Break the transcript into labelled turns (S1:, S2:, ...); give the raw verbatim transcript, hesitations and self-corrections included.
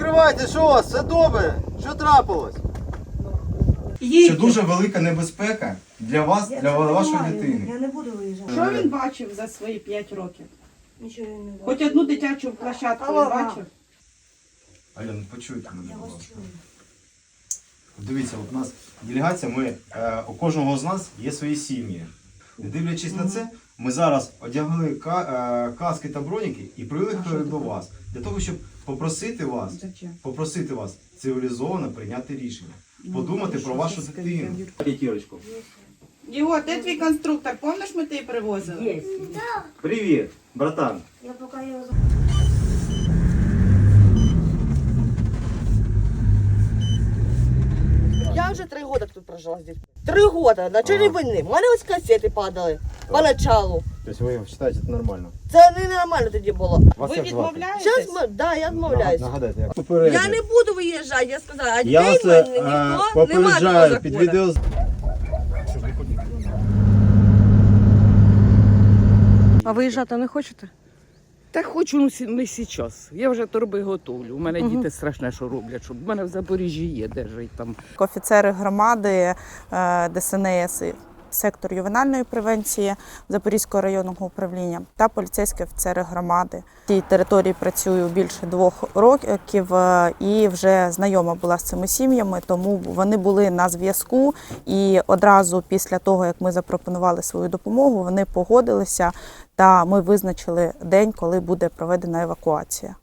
S1: Відкривайте, що у вас? Все добре? Що трапилось?
S2: Це дуже велика небезпека для вас, для вашої дитини.
S3: Я не буду виїжджати.
S4: Що він бачив за свої п'ять років?
S3: Нічого я не бачу.
S4: Хоч одну дитячу площадку він
S3: Алло,
S4: бачив?
S2: Альон, почуйте мене,
S3: Я
S2: будь
S3: вас
S2: ласка.
S3: чую.
S2: Дивіться, от у нас делегація, ми, е, у кожного з нас є свої сім'ї. Не дивлячись на це, ми зараз одягли ка, е, каски та броніки і приїхали до вас. Для того, щоб попросити вас,
S4: Зачем?
S2: попросити вас цивілізовано прийняти рішення. Подумати про вашу дитину. П'ятірочку.
S4: Його, де твій конструктор? Пам'ятаєш, ми тебе привозили?
S3: Є.
S2: Привіт, братан.
S3: Я поки його...
S5: Я вже три роки тут прожила з дітьми. Три роки, на чорній війни. У мене ось касети падали поначалу.
S1: Тобто ви вважаєте, це нормально?
S5: Це не нормально тоді було.
S4: Ви відмовляєтесь?
S5: Зараз ми, да, я відмовляюсь.
S1: Нагадайте, як
S5: Я не буду виїжджати, я сказала, а
S1: Я
S5: дітей
S1: вас
S5: в мене
S1: е,
S5: ніхто не має
S1: попереджаю під відео.
S6: А виїжджати не хочете?
S7: Та хочу, ну сі- не зараз. Я вже торби готовлю. У мене діти страшне, що роблять. Щоб... У мене в Запоріжжі є, де жить там.
S8: Офіцери громади е, ДСНС, сектор ювенальної превенції Запорізького районного управління та поліцейські офіцери громади. Цій території працюю більше двох років е, і вже знайома була з цими сім'ями, тому вони були на зв'язку. І одразу після того, як ми запропонували свою допомогу, вони погодилися та ми визначили день, коли буде проведена евакуація.